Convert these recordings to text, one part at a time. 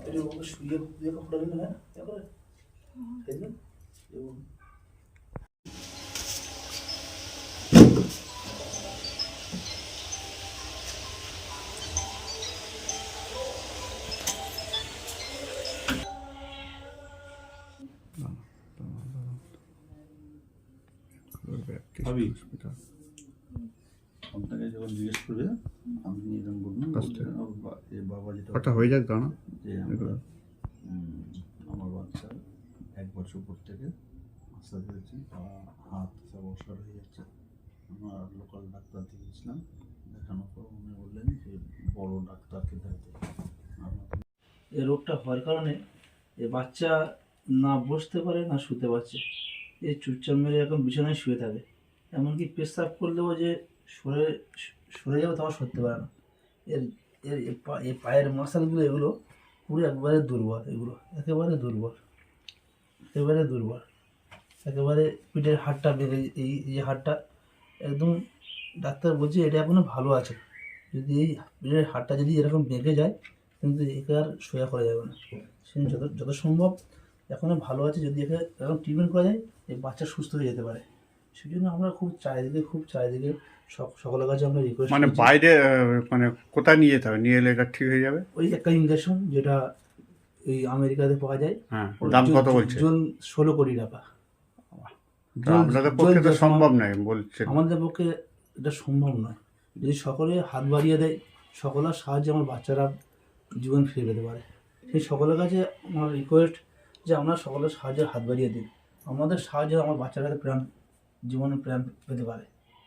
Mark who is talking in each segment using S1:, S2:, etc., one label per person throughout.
S1: এটা ওকে শুয়ে দিয়ে ফটো দিন না তারপরে এই যে
S2: ভাবি আপনাকে যখন জিজ্ঞেস করবে আপনি এরকম বলুন বাবা যেটা
S3: ওটা হয়ে যাক দাঁড়া
S2: যে আমরা আমার বাচ্চা 1 বছর পর থেকে আশা করেছি বা হাত সব অসার হয়ে যাচ্ছে। আমরা লোকাল ডাক্তার দেখিয়েছিলাম, দেখানোর পর উনি বললেন যে বড় ডাক্তারকে দেখাতে।
S1: এই রোগটা হওয়ার কারণে এই বাচ্চা না বসতে পারে না শুতে পারছে, এই চুপচাপ মেরে এখন বিছানায় শুয়ে থাকে। এমনকি পেশাব করলেও যে সরে সরে যাবে তখন সরতে পারে না। এর এর এই পায়ের মাসলগুলো এগুলো পুরো একবারে দুর্বল, এগুলো একেবারে দুর্বল, একেবারে দুর্বল, একেবারে পিঠের হাড়টা বেড়ে এই যে হাড়টা একদম ডাক্তার বলছে এটা এখনো ভালো আছে। যদি এই পিঠের হাড়টা যদি এরকম বেঁকে যায় কিন্তু একে আর সোজা করা যাবে না। সে যত সম্ভব এখনও ভালো আছে, যদি একে এরকম ট্রিটমেন্ট করা যায় এই বাচ্চা সুস্থ হয়ে যেতে পারে। সেই জন্য আমরা খুব চারিদিকে সকলের কাছে আমরা রিকোয়েস্ট
S3: মানে বাইরে মানে কোথায় নিয়ে যেতে হবে, নিয়ে এলে এটা ঠিক হয়ে যাবে?
S1: ওই একটা ইঞ্জেকশন যেটা এই আমেরিকাতে পাওয়া যায়।
S3: হ্যাঁ, দাম কত বলছে?
S1: 16 কোটি টাকা।
S3: আপনাদের পক্ষে তো সম্ভব নয় বলছে।
S1: আমাদের পক্ষে এটা সম্ভব নয়। যদি সকলে হাত বাড়িয়ে দেয়, সকলের সাহায্যে আমার বাচ্চারা জীবন ফিরে পেতে পারে। সেই সকলের কাছে আমার রিকোয়েস্ট যে আমরা সকলের সাহায্যের হাত বাড়িয়ে দিই, আমাদের সাহায্যে আমার বাচ্চারা জীবনে প্রাণ পেতে পারে।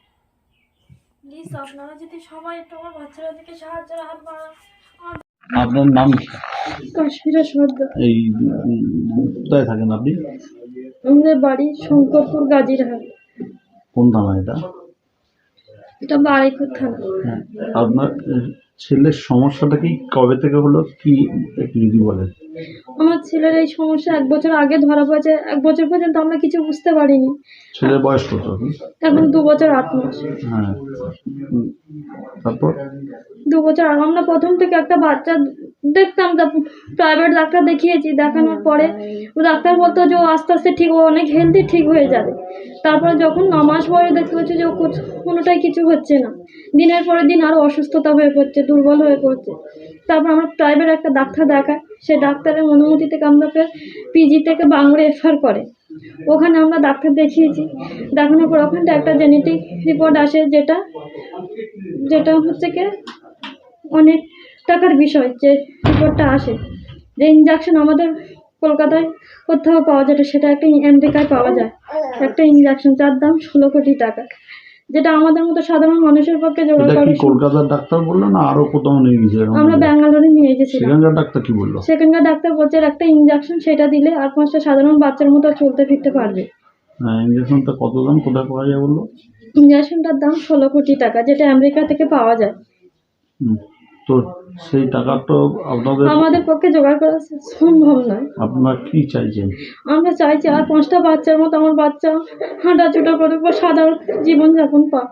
S4: প্লিজ আপনারা যদি সবাই একটু আমার বাচ্চারা থেকে সাহায্যের হাত বাড়ান।
S2: আপনার নাম কি?
S4: কাশ্মীরা সর্দার।
S2: এই কোথায় থাকেন আপনি?
S4: আমাদের বাড়ি শঙ্করপুর গাজীরহাট।
S2: কোন থানা এটা?
S4: এটা বারুইপুর থানা।
S2: হ্যাঁ, আপনার ছেলের সমস্যাটা কি কবে থেকে হলো, কি একটু যদি বলেন?
S4: আমার ছেলের এই সমস্যা 1 বছর আগে ধরা পড়েছে। 1 বছর পর্যন্ত আমরা কিছু বুঝতে পারিনি।
S2: ছেলের বয়স কত?
S4: এখন 2 বছর 8 মাস।
S2: হ্যাঁ, তারপর
S4: 2 বছর আমরা প্রথম থেকে একটা বাচ্চা দেখতাম, প্রাইভেট ডাক্তার দেখিয়েছি। দেখানোর পরে ও ডাক্তার বলতো যে ও আস্তে আস্তে ঠিক, ও অনেক হেলদি, ঠিক হয়ে যাবে। তারপরে যখন 9 মাস পরে দেখতে পাচ্ছি যে ও কোনোটাই কিছু হচ্ছে না, দিনের পরে দিন আরও অসুস্থতা হয়ে পড়ছে, দুর্বল হয়ে পড়ছে। তারপর আমরা প্রাইভেট একটা ডাক্তার দেখাই, সেই ডাক্তারের অনুমতি থেকে আমরা পিজি থেকে বাংলা রেফার করে। ওখানে আমরা ডাক্তার দেখিয়েছি। দেখানোর পর ওখানটা একটা জেনেটিক রিপোর্ট আসে, যেটা হচ্ছে কি অনেক টাকার বিষয়। যে রিপোর্টটা আসে, যে ইনজেকশন আমাদের কলকাতায় কোথাও পাওয়া যায়, সেটা একটা আমেরিকায় পাওয়া যায়। একটা ইনজেকশন যার দাম 16 কোটি টাকা, যেটা আমাদের মতো সাধারণ মানুষের পক্ষে জোগাড় করা।
S2: কলকাতার ডাক্তার বললো না আরো কোথাও নিয়ে গেছে?
S4: আমরা ব্যাঙ্গালোরে নিয়ে গেছিলাম।
S2: সেখানকার ডাক্তার কি বললো?
S4: সেখানকার ডাক্তার বলছে একটা ইনজেকশন, সেটা দিলে আর 5টা সাধারণ বাচ্চার মতো চলতে ফিরতে পারবে।
S2: হ্যাঁ, ইনজেকশনটা কত দাম, কোথায় পাওয়া যায় বললো?
S4: ইনজেকশনটার দাম 16 কোটি টাকা, যেটা আমেরিকা থেকে পাওয়া যায়।
S2: তো সেই টাকা তো
S4: আমাদের পক্ষে জোগাড় করা সম্ভব নয়।
S2: আপনারা কি চাইছেন?
S4: আমরা চাইছি আর 5টা বাচ্চার মতো আমার বাচ্চা হাঁটাচুটা করে সাধারণ জীবনযাপন পাক।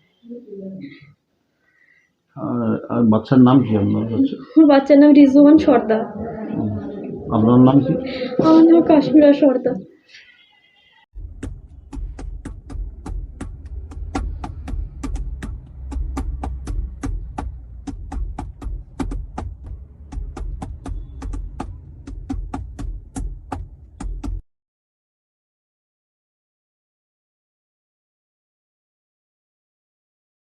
S2: আর বাচ্চার নাম কি আপনার?
S4: বাচ্চার নাম রিজওয়ান সর্দার।
S2: আপনার নাম কি?
S4: আমার নাম কাশ্মীরা সর্দার।